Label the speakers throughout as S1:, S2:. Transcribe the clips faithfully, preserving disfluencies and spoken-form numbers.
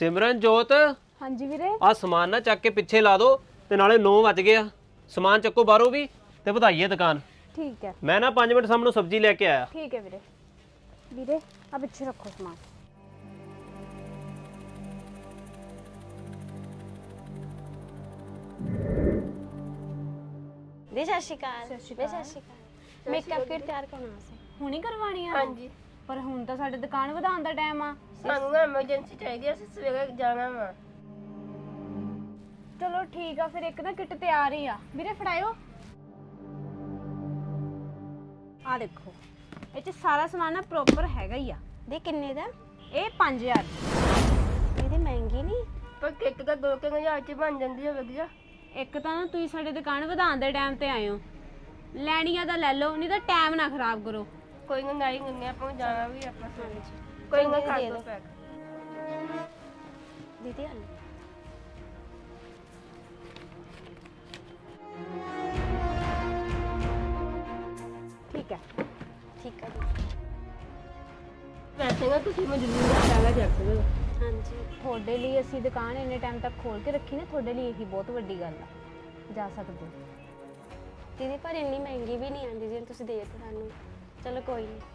S1: सिमरन जोत
S2: हाँ जी वीरे
S1: आ समान ना चक के पिछे ला दो ते नाले नौ बज गए आ समान चक्को बाहरों भी ते ਵਧਾਈਏ दुकान।
S2: ठीक है
S1: मैं ना पाँच मिनट सामने सब्जी लेके आया।
S2: ठीक है वीरे वीरे अब अच्छे रखो सामान।
S3: ਦੀ ਸਤਿ ਸ਼੍ਰੀ ਅਕਾਲ
S2: ਸਤਿ ਸ਼੍ਰੀ
S3: ਬੇ
S2: ਅਕਾਲ।
S3: ਸਤਿ ਸ਼੍ਰੀ ਅਕਾਲ ਮੇਕਅਪ ਕਿਟ ਤਿਆਰ ਕਰਨਾ ਸੀ
S2: ਹੁਣੀ ਕਰਵਾਣੀ ਆ
S4: ਹਾਂਜੀ
S2: ਪਰ ਹੁਣ ਤਾਂ ਸਾਡੇ ਦੁਕਾਨ ਵਧਾਉਣ ਦਾ ਟਾਈਮ ਆ।
S4: ਸਾਨੂੰ ਨਾ ਐਮਰਜੈਂਸੀ ਚਾਹੀਦੀ ਆ, ਅਸੀਂ ਸਵੇਰੇ ਜਾਣਾ ਵਾ।
S2: ਚਲੋ ਠੀਕ ਆ ਫਿਰ ਇੱਕ ਨਾ ਕਿੱਟ ਤਿਆਰ ਹੀ ਆ ਵੀਰੇ ਫੜਾਇਓ। ਆ ਦੇਖੋ ਇਹ ਚ ਸਾਰਾ ਸਮਾਨ ਨਾ ਪ੍ਰੋਪਰ ਹੈਗਾ ਹੀ ਆ।
S3: ਦੇ ਕਿੰਨੇ ਦਾ
S2: ਇਹ ਪੰਜ ਹਜ਼ਾਰ
S3: ਇਹਦੀ ਮਹਿੰਗੀ ਨਹੀਂ
S4: ਪਰ ਕਿੱਟ ਤਾਂ ਦੋ ਕੁ ਹਜ਼ਾਰ ਚ ਬਣ ਜਾਂਦੀ ਹੈ ਵਧੀਆ।
S2: ਇੱਕ ਤਾਂ ਨਾ ਤੁਸੀਂ ਸਾਡੇ ਦੁਕਾਨ ਵਧਾਉਣ ਦੇ ਟਾਈਮ ਤੇ ਆਏ ਹੋ, ਲੈਣੀ ਆ ਤਾਂ ਲੈ ਲਓ ਨਹੀਂ ਤਾਂ ਟਾਈਮ ਨਾ ਖਰਾਬ ਕਰੋ।
S4: ਕੋਈ ਨਾ ਨਹੀਂ ਕਰਨੀ, ਆਪਾਂ ਨੂੰ ਜਾਣਾ ਵੀ ਆਪਾਂ ਸਵੇਰੇ। ਕੋਈ ਨਾ ਕਰ ਦੋ ਪੈਕ।
S3: ਦੀਦੀ ਆ
S2: ਠੀਕ ਹੈ
S3: ਠੀਕ ਆ
S4: ਵੈਸੇ ਨਾ ਤੁਸੀਂ ਮਜਬੂਰ ਆ ਜਾਣਾ ਜਾ ਸਕਦੇ ਹੋ।
S3: ਹਾਂਜੀ
S2: ਤੁਹਾਡੇ ਲਈ ਅਸੀਂ ਦੁਕਾਨ ਇੰਨੇ ਟਾਈਮ ਤੱਕ ਖੋਲ ਕੇ ਰੱਖੀ ਨਾ, ਤੁਹਾਡੇ ਲਈ ਇਹੀ ਬਹੁਤ ਵੱਡੀ ਗੱਲ ਆ। ਜਾ ਸਕਦੇ ਹੋ।
S3: ਦੀਦੀ ਪਰ ਇੰਨੀ ਮਹਿੰਗੀ ਵੀ ਨਹੀਂ ਆਂਦੀ ਜਿਵੇਂ ਤੁਸੀਂ ਦੇ ਦਿੱਤੀ ਸਾਨੂੰ। ਚਲੋ ਕੋਈ ਨਹੀਂ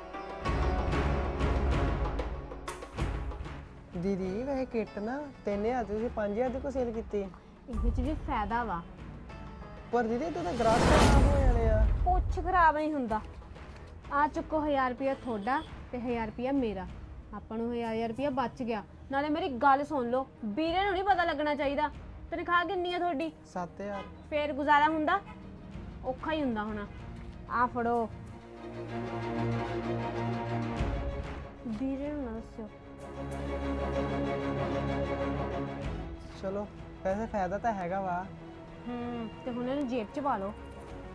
S5: ਦੀਦੀ ਵੈਸੇ ਕਿੱਟ ਨਾ ਤਿੰਨ ਹਜ਼ਾਰ ਦੀ ਤੁਸੀਂ ਪੰਜ ਹਜ਼ਾਰ ਦੀ ਕੋ ਸੇਲ ਕੀਤੀ।
S2: ਇਹਦੇ ਚ ਵੀ ਫਾਇਦਾ ਵਾ,
S5: ਪਰ ਦੀਦੀ ਤੂੰ ਤਾਂ ਗ੍ਰਾਹਕ ਖਰਾਬ ਹੋ ਜਾਣੇ ਆ।
S2: ਕੁਛ ਖਰਾਬ ਨਹੀਂ ਹੁੰਦਾ। ਆ ਚੁੱਕੋ ਹਜ਼ਾਰ ਰੁਪਇਆ ਤੁਹਾਡਾ ਤੇ ਹਜ਼ਾਰ ਰੁਪਇਆ ਮੇਰਾ, ਆਪਾਂ ਨੂੰ ਹਜ਼ਾਰ ਹਜ਼ਾਰ ਰੁਪਇਆ ਬਚ ਗਿਆ। ਨਾਲੇ ਮੇਰੀ ਗੱਲ ਸੁਣ ਲਓ, ਵੀਰੇ ਨੂੰ ਨਹੀਂ ਪਤਾ ਲੱਗਣਾ ਚਾਹੀਦਾ ਤਨਖਾਹ ਕਿੰਨੀ ਆ ਤੁਹਾਡੀ।
S5: ਸੱਤ ਹਜ਼ਾਰ
S2: ਫੇਰ ਗੁਜ਼ਾਰਾ ਹੁੰਦਾ, ਔਖਾ ਹੀ ਹੁੰਦਾ ਹੋਣਾ। ਆ ਫੜੋ ਵੀਰੇ ਨੂੰ ਨਾ ਦੱਸਿਓ।
S5: ਚਲੋ ਵੈਸੇ ਫਾਇਦਾ ਤਾਂ ਹੈਗਾ ਵਾ।
S2: ਹੂੰ ਤੇ ਹੁਣ ਇਹਨੂੰ ਜੇਬ 'ਚ ਪਾ ਲਓ।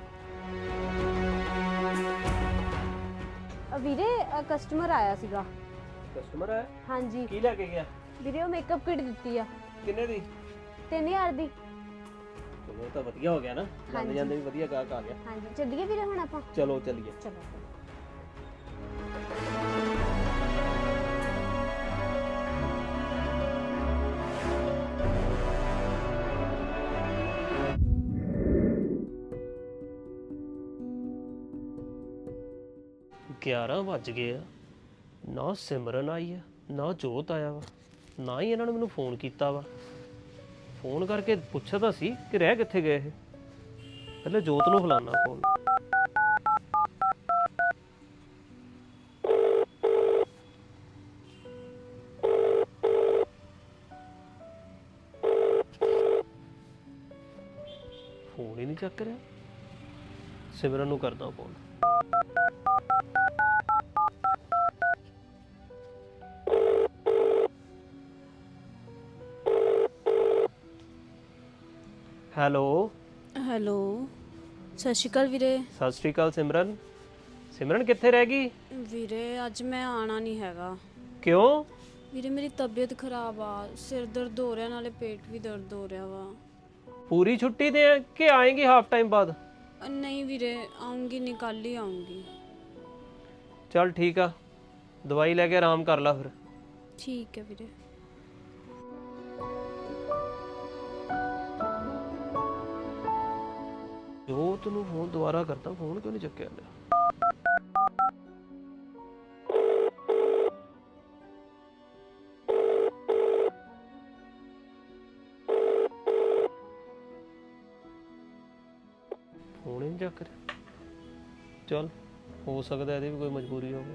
S2: ਅ ਵੀਰੇ ਕਸਟਮਰ ਆਇਆ ਸੀਗਾ।
S1: कस्टमर है
S2: ਹਾਂਜੀ
S1: की लेके गया
S2: ਵੀਰੇ ਉਹ ਮੇਕਅਪ ਕਿਟ ਦਿੱਤੀ ਆ
S1: किन्ने दी
S2: ਤਿੰਨ ਹਜ਼ਾਰ ਦੀ।
S1: चलो तो वधिया हो गया ना जांदे जांदे भी वधिया गाहक आ गया।
S2: ਹਾਂਜੀ ਚੱਲੀਏ ਵੀਰੇ ਹੁਣ ਆਪਾਂ।
S1: चलो चलिए।
S2: ਚਲੋ
S1: ਗਿਆਰਾਂ ਵੱਜ ਗਏ ਆ, ਨਾ ਸਿਮਰਨ ਆਈ ਆ ਨਾ ਜੋਤ ਆਇਆ ਵਾ, ਨਾ ਹੀ ਇਹਨਾਂ ਨੇ ਮੈਨੂੰ ਫੋਨ ਕੀਤਾ ਵਾ। ਫੋਨ ਕਰਕੇ ਪੁੱਛਿਆ ਤਾਂ ਸੀ ਕਿ ਰਹਿ ਕਿੱਥੇ ਗਏ ਇਹ। ਪਹਿਲੇ ਜੋਤ ਨੂੰ ਫਲਾਣਾ ਫੋਨ। ਫੋਨ ਹੀ ਨਹੀਂ ਚੱਕ ਰਿਹਾ। ਸਿਮਰਨ ਨੂੰ ਕਰਦਾ ਫੋਨ। ਹੈਲੋ
S6: ਹੈਲੋ ਸਤਿ ਸ਼੍ਰੀ ਅਕਾਲ ਵੀਰੇ।
S1: ਸਤਿ ਸ਼੍ਰੀ ਅਕਾਲ ਸਿਮਰਨ। ਸਿਮਰਨ ਕਿੱਥੇ ਰਹਿ ਗਈ?
S6: ਵੀਰੇ ਅੱਜ ਮੈਂ ਆਣਾ ਨਹੀਂ ਹੈਗਾ।
S1: ਕਿਉਂ?
S6: ਵੀਰੇ ਮੇਰੀ ਤਬੀਅਤ ਖਰਾਬ ਆ, ਸਿਰ ਦਰਦ ਹੋ ਰਿਹਾ ਨਾਲੇ ਪੇਟ ਵੀ ਦਰਦ ਹੋ ਰਿਹਾ ਵਾ।
S1: ਪੂਰੀ ਛੁੱਟੀ ਤੇ ਹੈ ਕਿ ਆਏਗੀ ਹਾਫ ਟਾਈਮ ਬਾਅਦ?
S6: ਅ, ਨਹੀਂ ਵੀਰੇ ਆਉਂਗੀ ਨਹੀਂ, ਕੱਲ ਹੀ ਆਉਂਗੀ।
S1: ਚੱਲ ਠੀਕ ਆ, ਦਵਾਈ ਲੈ ਕੇ ਆਰਾਮ ਕਰ ਲੈ ਫਿਰ।
S6: ਠੀਕ ਹੈ ਵੀਰੇ।
S1: ਜੋਤ ਨੂੰ ਫੋਨ ਦੁਬਾਰਾ ਕਰਦਾ, ਫੋਨ ਕਿਉਂ ਨਹੀਂ ਚੱਕਿਆ ਲੈ। ਫੋਨ ਹੀ ਨਹੀਂ ਚੱਕ ਰਿਹਾ। ਚੱਲ ਹੋ ਸਕਦਾ ਇਹਦੀ ਵੀ ਕੋਈ ਮਜਬੂਰੀ ਹੋਵੇ।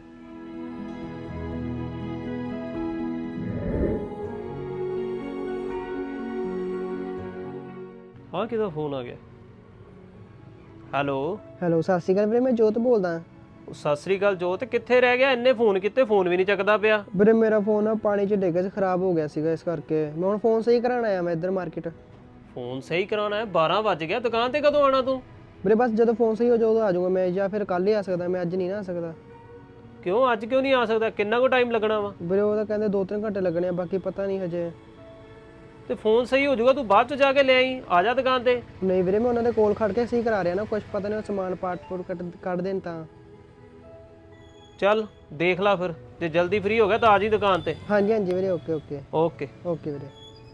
S1: ਹਾਂ ਕਿਹਦਾ ਫੋਨ ਆ ਗਿਆ? ਹੈਲੋ
S5: ਹੈਲੋ ਸਤਿ ਸ਼੍ਰੀ ਅਕਾਲ ਵੀਰੇ, ਮੈਂ ਜੋਤ ਬੋਲਦਾ।
S1: ਸਤਿ ਸ੍ਰੀ ਅਕਾਲ ਜੋਤ, ਕਿੱਥੇ ਰਹਿ ਗਿਆ? ਇੰਨੇ ਫੋਨ ਕੀਤੇ, ਫੋਨ ਵੀ ਨਹੀਂ ਚੱਕਦਾ ਪਿਆ।
S5: ਵੀਰੇ ਮੇਰਾ ਫੋਨ ਨਾ ਪਾਣੀ 'ਚ ਡਿੱਗ ਕੇ ਖਰਾਬ ਹੋ ਗਿਆ ਸੀਗਾ, ਇਸ ਕਰਕੇ ਮੈਂ ਹੁਣ ਫੋਨ ਸਹੀ ਕਰਾਉਣ ਆਇਆ ਮੈਂ ਇੱਧਰ ਮਾਰਕੀਟ।
S1: ਫੋਨ ਸਹੀ ਕਰਾਉਣਾ ਹੈ? ਬਾਰਾਂ ਵੱਜ ਗਿਆ, ਦੁਕਾਨ ਤੇ ਕਦੋਂ ਆਣਾ ਤੂੰ?
S5: ਵੀਰੇ ਬਸ ਜਦੋਂ ਫੋਨ ਸਹੀ ਹੋ ਜਾਊ ਉਦੋਂ ਆ ਜਾਊਗਾ ਮੈਂ, ਜਾਂ ਫਿਰ ਕੱਲ੍ਹ ਹੀ ਆ ਸਕਦਾ ਮੈਂ, ਅੱਜ ਨਹੀਂ ਨਾ ਆ ਸਕਦਾ।
S1: ਕਿਉਂ ਅੱਜ ਕਿਉਂ ਨਹੀਂ ਆ ਸਕਦਾ? ਕਿੰਨਾ ਕੁ ਟਾਈਮ ਲੱਗਣਾ ਵਾ?
S5: ਵੀਰੇ ਉਹ ਤਾਂ ਕਹਿੰਦੇ ਦੋ ਤਿੰਨ ਘੰਟੇ ਲੱਗਣੇ ਆ, ਬਾਕੀ ਪਤਾ ਨਹੀਂ ਹਜੇ।
S1: ਤੇ ਫੋਨ ਸਹੀ ਹੋ ਜਾਊਗਾ, ਤੂੰ ਬਾਅਦ ਚ ਜਾ ਕੇ ਲੈ ਆਈ, ਆ ਜਾ ਦੁਕਾਨ ਤੇ।
S5: ਨਹੀਂ ਵੀਰੇ ਮੈਂ ਉਹਨਾਂ ਦੇ ਕੋਲ ਖੜ ਕੇ ਸਹੀ ਕਰਾ ਰਿਹਾ ਨਾ, ਕੁਝ ਪਤਾ ਨਹੀਂ ਉਹ ਸਮਾਨ ਪਾਰਟ ਪੂਰ ਕੱਢ ਕੱਢ ਦੇਣ ਤਾਂ।
S1: ਚੱਲ ਦੇਖ ਲਾ ਫਿਰ, ਤੇ ਜਲਦੀ ਫ੍ਰੀ ਹੋ ਗਿਆ ਤਾਂ ਆ ਜੀ ਦੁਕਾਨ ਤੇ।
S5: ਹਾਂਜੀ ਹਾਂਜੀ ਵੀਰੇ, ਓਕੇ ਓਕੇ
S1: ਓਕੇ।
S5: ਓਕੇ ਵੀਰੇ।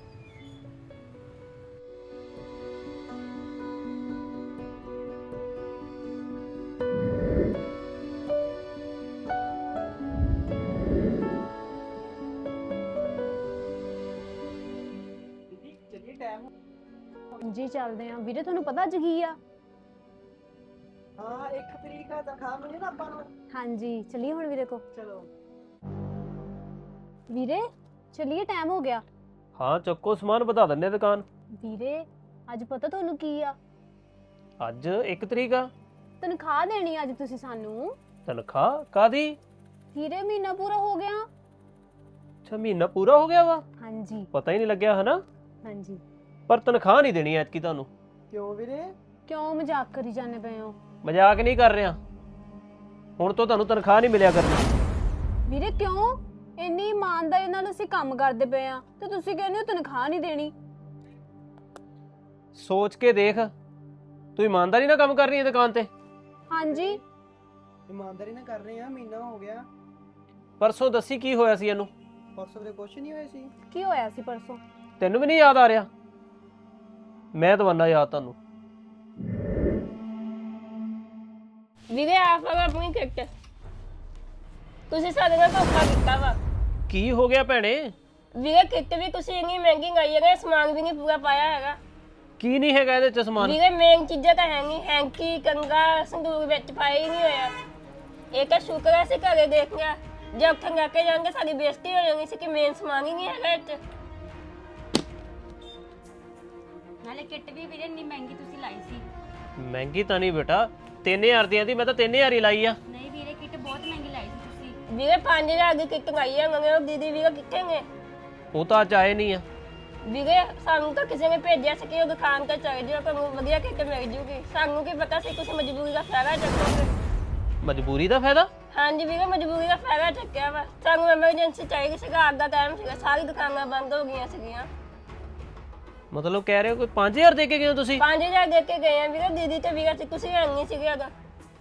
S2: ਜੀ ਚੱਲਦੇ ਆ ਵੀਰੇ। ਤੁਹਾਨੂੰ ਪਤਾ ਅੱਜ ਕੀ ਆ?
S5: ਹਾਂ, ਇੱਕ ਤਰੀਕ ਦਾ ਤਨਖਾਹ ਮਿਲੀ ਨਾ ਆਪਾਂ ਨੂੰ।
S2: ਹਾਂਜੀ ਚਲਿਏ ਹੁਣ ਵੀਰੇ ਕੋ।
S5: ਚਲੋ
S2: ਵੀਰੇ ਚਲਿਏ, ਟਾਈਮ ਹੋ ਗਿਆ।
S1: ਹਾਂ ਚੱਕੋ ਸਮਾਨ, ਵਧਾ ਦਿੰਦੇ ਆ ਦੁਕਾਨ।
S2: ਵੀਰੇ ਅੱਜ ਪਤਾ ਤੁਹਾਨੂੰ ਕੀ ਆ?
S1: ਅੱਜ ਇੱਕ ਤਰੀਕ ਆ।
S2: ਤਨਖਾਹ ਦੇਣੀ ਆ ਅੱਜ ਤੁਸੀਂ ਸਾਨੂੰ।
S1: ਤਨਖਾਹ ਕਾਦੀ?
S2: ਵੀਰੇ ਮਹੀਨਾ ਪੂਰਾ ਹੋ ਗਿਆ।
S1: ਅੱਛਾ ਮਹੀਨਾ ਪੂਰਾ ਹੋ ਗਿਆ ਵਾ,
S2: ਹਾਂਜੀ
S1: ਪਤਾ ਹੀ ਨਹੀਂ ਲੱਗਿਆ ਹਨਾ।
S2: ਹਾਂਜੀ।
S1: ਪਰ ਤਨਖਾਹ ਨਹੀਂ ਦੇਣੀ ਐਤਕੀ ਤੁਹਾਨੂੰ।
S5: ਕਿਉਂ ਵੀਰੇ?
S2: ਕਿਉਂ ਮਜ਼ਾਕ ਕਰੀ ਜਾਂਦੇ ਪਏ ਹੋ?
S1: ਮਜ਼ਾਕ ਨਹੀਂ ਕਰ ਰਿਹਾ, ਹੁਣ ਤੋਂ ਤੁਹਾਨੂੰ ਤਨਖਾਹ ਨਹੀਂ ਮਿਲਿਆ ਕਰਨੀ।
S2: ਵੀਰੇ ਕਿਉਂ? ਇੰਨੀ ਇਮਾਨਦਾਰੀ ਨਾਲ ਅਸੀਂ ਕੰਮ ਕਰਦੇ ਪਏ ਆ ਤੇ ਤੁਸੀਂ ਕਹਿੰਦੇ ਹੋ ਤਨਖਾਹ ਨਹੀਂ ਦੇਣੀ।
S1: ਸੋਚ ਕੇ ਦੇਖ, ਤੂੰ ਇਮਾਨਦਾਰੀ ਨਾਲ ਕੰਮ ਕਰ ਰਹੀ ਹੈ ਦੁਕਾਨ ਤੇ।
S2: ਹਾਂਜੀ
S5: ਇਮਾਨਦਾਰੀ ਨਾਲ ਕਰ ਰਹੇ ਆ, ਮਹੀਨਾ ਹੋ ਗਿਆ।
S1: ਪਰਸੋਂ ਦੱਸੀ ਕੀ ਹੋਇਆ ਸੀ ਇਹਨੂੰ?
S5: ਪਰਸੋਂ ਵੀਰੇ ਕੁਛ ਨਹੀਂ ਹੋਇਆ ਸੀ।
S2: ਕੀ ਹੋਇਆ ਸੀ ਪਰਸੋਂ?
S1: ਤੈਨੂੰ ਵੀ ਨਹੀਂ ਯਾਦ ਆ ਰਿਹਾ? ਮੈਂ ਦਵਾਨਾ ਯਾਦ ਤੁਹਾਨੂੰ।
S4: ਵੀਰੇ ਆਪ ਆਪਣੀ ਕਿੱਟ ਤੁਸੀਂ ਸਾਡੇ ਨਾਲ ਧੋਖਾ ਕੀਤਾ ਵਾ।
S1: ਕੀ ਹੋ ਗਿਆ ਭੈਣੇ?
S4: ਵੀਰੇ ਕਿੱਟ ਵੀ ਤੁਸੀਂ ਇੰਨੀ ਮਹਿੰਗੀ ਗਾਈ ਹੈਗਾ, ਸਮਾਨ ਵੀ ਨਹੀਂ ਪੂਰਾ ਪਾਇਆ ਹੈਗਾ।
S1: ਕੀ ਨਹੀਂ ਹੈਗਾ ਇਹਦੇ ਚ ਸਮਾਨ?
S4: ਵੀਰੇ ਮੇਨ ਚੀਜ਼ਾਂ ਤਾਂ ਹੈ ਨਹੀਂ, ਹੈਂਕੀ ਕੰਗਾ ਸੰਦੂਕ ਵਿੱਚ ਪਾਇਆ ਹੀ ਨਹੀਂ ਹੋਇਆ। ਇਹ ਤਾਂ ਸ਼ੁਕਰ ਹੈ ਅਸੀਂ ਘਰੇ ਦੇਖ ਲਿਆ, ਜੇ ਉੱਥੇ ਲੈ ਕੇ ਜਾਣਗੇ ਸਾਡੀ ਬੇਇੱਜ਼ਤੀ ਹੋ ਜਾਣੀ ਸੀ ਕਿ ਮੇਨ ਸਮਾਨ ਹੀ ਨਹੀਂ ਹੈਗਾ ਇੱਥੇ।
S7: ਨਾਲੇ ਕਿੱਟ ਵੀ ਵੀਰੇ ਇੰਨੀ ਮਹਿੰਗੀ ਤੁਸੀਂ ਲਾਈ ਸੀ।
S1: ਮਹਿੰਗੀ ਤਾਂ ਨਹੀਂ ਬੇਟਾ, ਤਿੰਨ ਹਜ਼ਾਰ ਦੀਆਂ ਦੀ ਮੈਂ ਤਾਂ ਤਿੰਨ ਹਜ਼ਾਰ ਹੀ ਲਾਈ ਆ।
S7: ਨਹੀਂ ਵੀਰੇ ਕਿੱਟ ਬਹੁਤ ਮਹਿੰਗੀ ਲਾਈ ਸੀ ਤੁਸੀਂ।
S4: ਵੀਰੇ ਪੰਜ ਹਜ਼ਾਰ ਦੀ ਕਿੱਟ ਗਾਈ ਹੈਗੇ, ਉਹ ਦੀਦੀ ਵੀਰੇ ਕਿੱਥੇ ਨੇ?
S1: ਉਹ ਤਾਂ ਅੱਜ ਆਏ ਨਹੀਂ ਆ।
S4: ਵੀਰੇ ਸਾਨੂੰ ਤਾਂ ਕਿਸੇ ਨੇ ਭੇਜਿਆ ਸੀ ਕਿ ਉਹ ਦੁਕਾਨ ਤੇ ਚੱਲ ਜਿਓ, ਤੁਹਾਨੂੰ ਵਧੀਆ ਕਿੱਟ ਮਿਲ ਜੂਗੀ। ਸਾਨੂੰ ਕੀ ਪਤਾ ਸੀ ਤੁਸੀਂ ਮਜਬੂਰੀ ਦਾ ਫਾਇਦਾ ਚੱਕੋਗੇ।
S1: ਮਜਬੂਰੀ ਦਾ ਫਾਇਦਾ?
S4: ਹਾਂਜੀ ਵੀਰੇ ਮਜਬੂਰੀ ਦਾ ਫਾਇਦਾ ਚੱਕਿਆ ਵਾ। ਸਾਨੂੰ ਐਮਰਜੈਂਸੀ ਚਾਹੀਦੀ ਸੀਗਾ, ਅੱਗ ਦਾ ਟਾਈਮ ਸੀਗਾ, ਸਾਰੀ ਦੁਕਾਨਾਂ ਬੰਦ ਹੋ ਗਈਆਂ ਸੀਗੀਆਂ।
S1: ਮਤਲਬ ਕਹਿ ਰਹੇ ਹੋ ਕੋਈ ਪੰਜ ਹਜ਼ਾਰ ਦੇ ਕੇ ਗਏ ਹੋ ਤੁਸੀਂ?
S4: ਪੰਜ ਹਜ਼ਾਰ ਦੇ ਕੇ ਗਏ ਆ ਵੀਰੇ, ਦੀਦੀ ਤੇ ਵੀਰੇ ਸੀ, ਤੁਸੀਂ ਹੈ ਨਹੀਂ ਸੀਗੇ ਅਗਾ।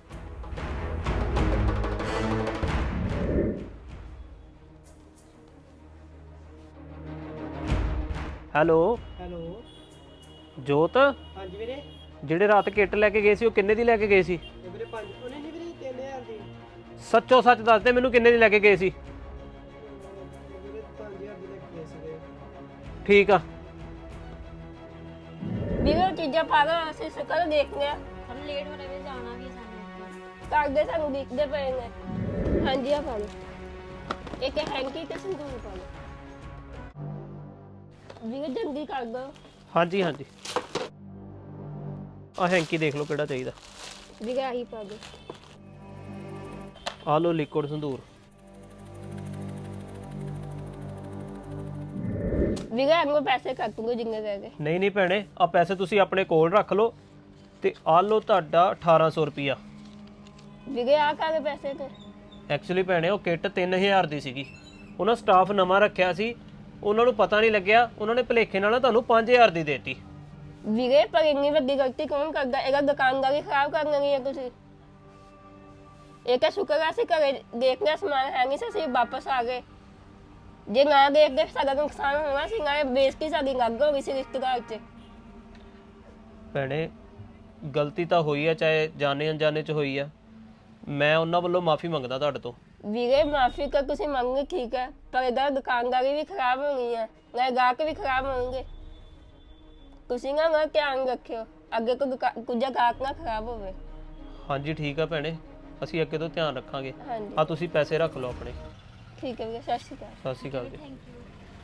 S1: Hello
S5: hello.
S1: ਜੋਤ,
S5: ਹਾਂਜੀ ਵੀਰੇ।
S1: ਜਿਹੜੇ ਰਾਤ ਕਿੱਟ ਲੈ ਕੇ ਗਏ ਸੀ ਉਹ ਕਿੰਨੇ ਦੀ ਲੈ ਕੇ ਗਏ ਸੀ?
S5: ਇਹ ਵੀਰੇ ਪੰਜ ਉਹਨੇ ਨਹੀਂ ਵੀਰੇ ਤਿੰਨ ਹਜ਼ਾਰ ਦੀ।
S1: ਸੱਚੋ ਸੱਚ ਦੱਸ ਦੇ ਮੈਨੂੰ, ਕਿੰਨੇ ਦੀ ਲੈ ਕੇ ਗਏ ਸੀ?
S5: ਇਹ ਵੀਰੇ ਪੰਜ ਹਜ਼ਾਰ ਦੀ ਲੈ ਕੇ ਗਏ ਸੀਗੇ।
S1: ਠੀਕ ਆ।
S4: ਵੀਰੇ ਉਹ ਚੀਜ਼ਾਂ ਪਾ ਕੇ ਅਸੀਂ ਸ਼ਕਲ ਦੇਖ ਲਿਆ,
S7: ਸਾਨੂੰ ਲੇਟ ਹੋ ਰਿਹਾ ਵੀ ਜਾਣਾ ਵੀ ਹੈ ਸਾਨੂੰ।
S4: ਕਰਦੇ ਸਾਨੂੰ ਦਿਖਦੇ ਪਏ ਨੇ। ਹਾਂਜੀ ਆ ਪਾ ਲਓ, ਇੱਕ ਹੈਂਕੀ ਤੇ ਸੰਦੂਕ ਪਾ ਲਓ। ਵੀਰੇ ਜਲਦੀ ਕਰ ਦੋ।
S1: ਹਾਂਜੀ ਹਾਂਜੀ, ਆ ਹੈਂਕੀ ਦੇਖ ਲਓ ਕਿਹੜਾ ਚਾਹੀਦਾ।
S4: ਵੀਰੇ ਆਹੀ ਪਾ ਦੋ।
S1: ਆ ਲਓ ਲਿਕੁਇਡ ਸੰਦੂਰ।
S4: ਵੀਰੇ ਅੰਗੋ ਪੈਸੇ ਕੱਟ ਲਓ ਜਿੰਨੇ ਰਹਿ ਗਏ।
S1: ਨਹੀਂ ਨਹੀਂ ਭੈਣੇ, ਆ ਪੈਸੇ ਤੁਸੀਂ ਆਪਣੇ ਕੋਲ ਰੱਖ ਲਓ ਤੇ ਆ ਲਓ ਤੁਹਾਡਾ ਅਠਾਰਾਂ ਸੌ ਰੁਪਿਆ।
S4: ਵੀਰੇ ਆ ਕਾਹਦੇ ਪੈਸੇ ਤੇ?
S1: ਐਕਚੁਅਲੀ ਭੈਣੇ ਉਹ ਕਿੱਟ ਤਿੰਨ ਹਜ਼ਾਰ ਦੀ ਸੀਗੀ, ਉਹਨਾਂ ਸਟਾਫ ਨਵਾਂ ਰੱਖਿਆ ਸੀ, ਉਹਨਾਂ ਨੂੰ ਪਤਾ ਨਹੀਂ ਲੱਗਿਆ, ਉਹਨਾਂ ਨੇ ਭੁਲੇਖੇ ਨਾਲ ਨਾ ਤੁਹਾਨੂੰ ਪੰਜ ਹਜ਼ਾਰ ਦੀ ਦੇਤੀ।
S4: ਵੀਰੇ ਪਰ ਇੰਨੀ ਵੱਡੀ ਗਲਤੀ ਕੌਣ ਕਰਦਾ? ਇਹਦਾ ਦੁਕਾਨਦਾਰੀ ਖਰਾਬ ਕਰ ਲੈਣੀ ਹੈ ਤੁਸੀਂ। ਇਹ ਤਾਂ ਸ਼ੁਕਰ ਹੈ ਅਸੀਂ ਘਰੇ ਦੇਖ ਲਿਆ ਸਮਾਨ ਹੈ ਨਹੀਂ ਸੀ, ਅਸੀਂ ਵਾਪਸ ਆ ਗਏ। ਜੇ ਨਾ ਦੇਖਦੇ ਸਾਡਾ ਨੁਕਸਾਨ ਹੋਣਾ ਸੀ, ਨਾ ਬੇਇੱਜ਼ਤੀ ਸਾਡੀ ਲੱਗ ਹੋ ਗਈ ਸੀ ਰਿਸ਼ਤੇਦਾਰ 'ਚ।
S1: ਭੈਣੇ ਗਲਤੀ ਤਾਂ ਹੋਈ ਆ, ਚਾਹੇ ਜਾਣੇ ਅਣਜਾਣੇ ਚ ਹੋਈ ਆ, ਮੈਂ ਉਹਨਾਂ ਵੱਲੋਂ ਮਾਫੀ ਮੰਗਦਾ ਤੁਹਾਡੇ ਤੋਂ।
S4: ਵੀਰੇ ਮਾਫੀ ਕਰ ਤੁਸੀਂ ਮੰਗੇ ਠੀਕ ਹੈ, ਪਰ ਇਹਦਾ ਦੁਕਾਨਦਾਰੀ ਵੀ ਖਰਾਬ ਹੋਣੀ ਹੈ, ਨਾ ਗਾਹਕ ਵੀ ਖਰਾਬ ਹੋਣਗੇ। ਤੁਸੀਂ ਨਾ ਨਾ ਧਿਆਨ ਰੱਖਿਓ, ਅੱਗੇ ਕੋਈ ਕੁਝ ਗਾਹਕ ਨਾ ਖਰਾਬ ਹੋਵੇ।
S1: ਹਾਂਜੀ ਠੀਕ ਆ ਭੈਣੇ, ਅਸੀਂ ਅੱਗੇ ਤੋਂ ਧਿਆਨ ਰੱਖਾਂਗੇ।
S4: ਹਾਂਜੀ
S1: ਆ ਤੁਸੀਂ ਪੈਸੇ ਰੱਖ ਲਓ ਆਪਣੇ।
S4: ਠੀਕ ਹੈ ਵੀਰੇ, ਸਤਿ ਸ਼੍ਰੀ ਅਕਾਲ।
S1: ਸਤਿ ਸ਼੍ਰੀ ਅਕਾਲ ਜੀ।
S7: Thank you.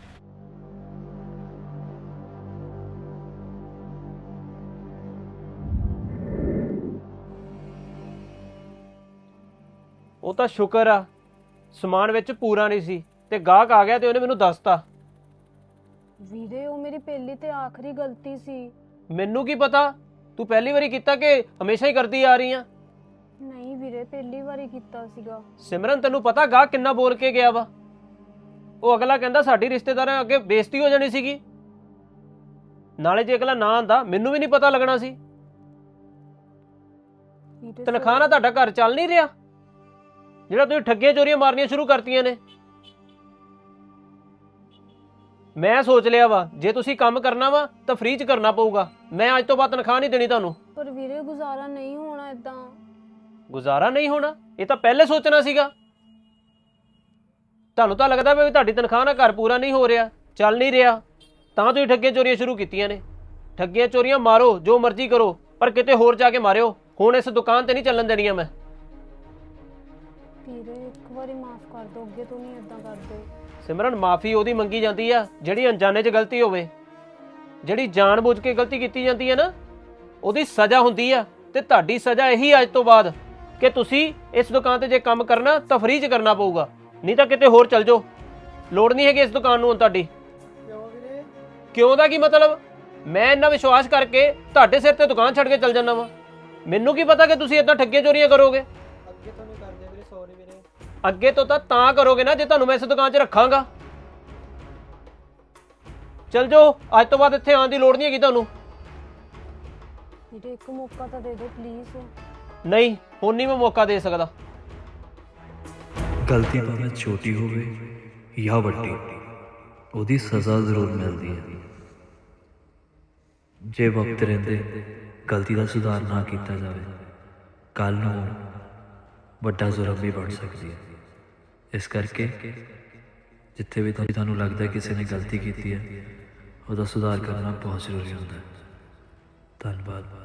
S1: ਉਹ ਤਾਂ ਸ਼ੁਕਰ ਆ ਸਮਾਨ ਵਿੱਚ ਪੂਰਾ ਨਹੀਂ ਸੀ ਤੇ ਗਾਹਕ ਆ ਗਿਆ ਤੇ ਉਹਨੇ ਮੈਨੂੰ ਦੱਸਤਾ।
S2: ਵੀਰੇ ਉਹ ਮੇਰੀ ਪਹਿਲੀ ਤੇ ਆਖਰੀ ਗਲਤੀ ਸੀ।
S1: ਮੈਨੂੰ ਕੀ ਪਤਾ ਤੂੰ ਪਹਿਲੀ ਵਾਰੀ ਕੀਤਾ ਕਿ ਹਮੇਸ਼ਾ ਹੀ ਕਰਦੀ ਆ ਰਹੀ ਆ?
S2: ਨਹੀਂ ਵੀਰੇ ਪਹਿਲੀ ਵਾਰੀ ਕੀਤਾ ਸੀਗਾ।
S1: ਸਿਮਰਨ ਤੈਨੂੰ ਪਤਾ ਗਾਹਕ ਕਿੰਨਾ ਬੋਲ ਕੇ ਗਿਆ ਵਾ? ਉਹ ਅਗਲਾ ਕਹਿੰਦਾ ਸਾਡੀ ਰਿਸ਼ਤੇਦਾਰਾਂ ਅੱਗੇ ਬੇਇੱਜ਼ਤੀ ਹੋ ਜਾਣੀ ਸੀਗੀ, ਨਾਲੇ ਜੇ ਅਗਲਾ ਨਾ ਆਂਦਾ ਮੈਨੂੰ ਵੀ ਨਹੀਂ ਪਤਾ ਲੱਗਣਾ ਸੀ।
S2: ਵੀਰੇ
S1: ਤਨਖਾਹ ਨਾਲ ਤੁਹਾਡਾ ਘਰ ਚੱਲ ਨਹੀਂ ਰਿਹਾ। ਜਿਹੜਾ ਤੁਸੀਂ ਠੱਗੀਆਂ ਚੋਰੀਆਂ ਮਾਰਨੀਆਂ ਸ਼ੁਰੂ ਕਰਤੀਆਂ ਨੇ। ਮੈਂ ਸੋਚ ਲਿਆ ਵਾ ਜੇ ਤੁਸੀਂ ਕੰਮ ਕਰਨਾ ਵਾ ਤਾਂ ਫ੍ਰੀ 'ਚ ਕਰਨਾ ਪਊਗਾ। ਮੈਂ ਅੱਜ ਤੋਂ ਬਾਅਦ ਤਨਖਾਹ ਨਹੀਂ ਦੇਣੀ ਤੁਹਾਨੂੰ।
S2: ਪਰ ਵੀਰੇ ਗੁਜ਼ਾਰਾ ਨਹੀਂ ਹੋਣਾ ਇਦਾਂ।
S1: ਗੁਜ਼ਾਰਾ ਨਹੀਂ ਹੋਣਾ ਇਹ ਤਾਂ ਪਹਿਲੇ ਸੋਚਣਾ ਸੀਗਾ। ਤੁਹਾਨੂੰ ਤਾਂ ਲੱਗਦਾ ਵੀ ਤੁਹਾਡੀ ਤਨਖਾਹ ਨਾਲ ਘਰ ਪੂਰਾ ਨਹੀਂ ਹੋ ਰਿਹਾ, ਚੱਲ ਨਹੀਂ ਰਿਹਾ, ਤਾਂ ਤੁਸੀਂ ਠੱਗੀਆਂ ਚੋਰੀਆਂ ਸ਼ੁਰੂ ਕੀਤੀਆਂ ਨੇ। ਠੱਗੀਆਂ ਚੋਰੀਆਂ ਮਾਰੋ, ਜੋ ਮਰਜ਼ੀ ਕਰੋ, ਪਰ ਕਿਤੇ ਹੋਰ ਜਾ ਕੇ ਮਾਰਿਓ। ਹੁਣ ਇਸ ਦੁਕਾਨ ਤੇ ਨਹੀਂ ਚੱਲਣ ਦੇਣੀਆਂ ਮੈਂ।
S2: ਵੀਰੇ ਇੱਕ ਵਾਰੀ ਮਾਫ ਕਰ ਦਿਓ, ਅੱਗੇ ਤੋਂ ਨਹੀਂ ਇਦਾਂ ਕਰਦੇ।
S1: ਸਿਮਰਨ, ਮਾਫੀ ਉਹਦੀ ਮੰਗੀ ਜਾਂਦੀ ਆ ਜਿਹੜੀ ਅਣਜਾਣੇ 'ਚ ਗਲਤੀ ਹੋਵੇ। ਜਿਹੜੀ ਜਾਣਬੁੱਝ ਕੇ ਗਲਤੀ ਕੀਤੀ ਜਾਂਦੀ ਹੈ ਨਾ, ਉਹਦੀ ਸਜ਼ਾ ਹੁੰਦੀ ਆ। ਤੇ ਤੁਹਾਡੀ ਸਜ਼ਾ ਇਹੀ ਅੱਜ ਤੋਂ ਬਾਅਦ ਕਿ ਤੁਸੀਂ ਇਸ ਦੁਕਾਨ ਤੇ ਜੇ ਕੰਮ ਕਰਨਾ ਤਾਂ ਫ੍ਰੀ 'ਚ ਕਰਨਾ ਪਊਗਾ, ਨਹੀਂ ਤਾਂ ਕਿਤੇ ਹੋਰ ਚੱਲ ਜਾਓ। ਲੋੜ ਨਹੀਂ ਹੈਗੀ ਇਸ ਦੁਕਾਨ ਨੂੰ ਹੁਣ ਤੁਹਾਡੀ।
S5: ਕਿਉਂ ਵੀਰੇ?
S1: ਕਿਉਂ ਦਾ ਕੀ ਮਤਲਬ? ਮੈਂ ਇੰਨਾ ਵਿਸ਼ਵਾਸ ਕਰਕੇ ਤੁਹਾਡੇ ਸਿਰ ਤੇ ਦੁਕਾਨ ਛੱਡ ਕੇ ਚੱਲ ਜਾਂਦਾ ਵਾਂ। ਮੈਨੂੰ ਕੀ ਪਤਾ ਕਿ ਤੁਸੀਂ ਏਦਾਂ ਠੱਗੀਆਂ ਚੋਰੀਆਂ ਕਰੋਗੇ।
S5: ਅੱਗੇ ਤੋਂ ਨਹੀਂ ਕਰਦੇ ਵੀਰੇ, ਸੌਰੀ ਵੀਰੇ।
S1: ਅੱਗੇ ਤੋਂ ਤਾਂ ਤਾਂ ਕਰੋਗੇ ਨਾ ਜੇ ਤੁਹਾਨੂੰ ਮੈਂ ਇਸ ਦੁਕਾਨ 'ਚ ਰੱਖਾਂਗਾ। ਚੱਲ ਜਾਓ, ਅੱਜ ਤੋਂ ਬਾਅਦ ਇੱਥੇ ਆਉਣ ਦੀ ਲੋੜ ਨਹੀਂ ਹੈਗੀ ਤੁਹਾਨੂੰ।
S2: ਵੀਰੇ ਇੱਕ ਮੌਕਾ ਤਾਂ ਦੇ ਦਿਓ ਪਲੀਜ਼।
S1: ਨਹੀਂ, ਹੁਣ ਨਹੀਂ ਮੈਂ ਮੌਕਾ ਦੇ ਸਕਦਾ।
S8: ਗਲਤੀ ਭਾਵੇਂ ਛੋਟੀ ਹੋਵੇ ਜਾਂ ਵੱਡੀ, ਉਹਦੀ ਸਜ਼ਾ ਜ਼ਰੂਰ ਮਿਲਦੀ ਹੈ। ਜੇ ਵਕਤ ਰਹਿੰਦੇ ਗਲਤੀ ਦਾ ਸੁਧਾਰ ਨਾ ਕੀਤਾ ਜਾਵੇ, ਕੱਲ੍ਹ ਨੂੰ ਵੱਡਾ ਜ਼ੁਲਮ ਵੀ ਬਣ ਸਕਦੀ ਹੈ। ਇਸ ਕਰਕੇ ਜਿੱਥੇ ਵੀ ਤੁਹਾਨੂੰ ਲੱਗਦਾ ਕਿਸੇ ਨੇ ਗਲਤੀ ਕੀਤੀ ਹੈ, ਉਹਦਾ ਸੁਧਾਰ ਕਰਨਾ ਬਹੁਤ ਜ਼ਰੂਰੀ ਹੁੰਦਾ ਹੈ। ਧੰਨਵਾਦ।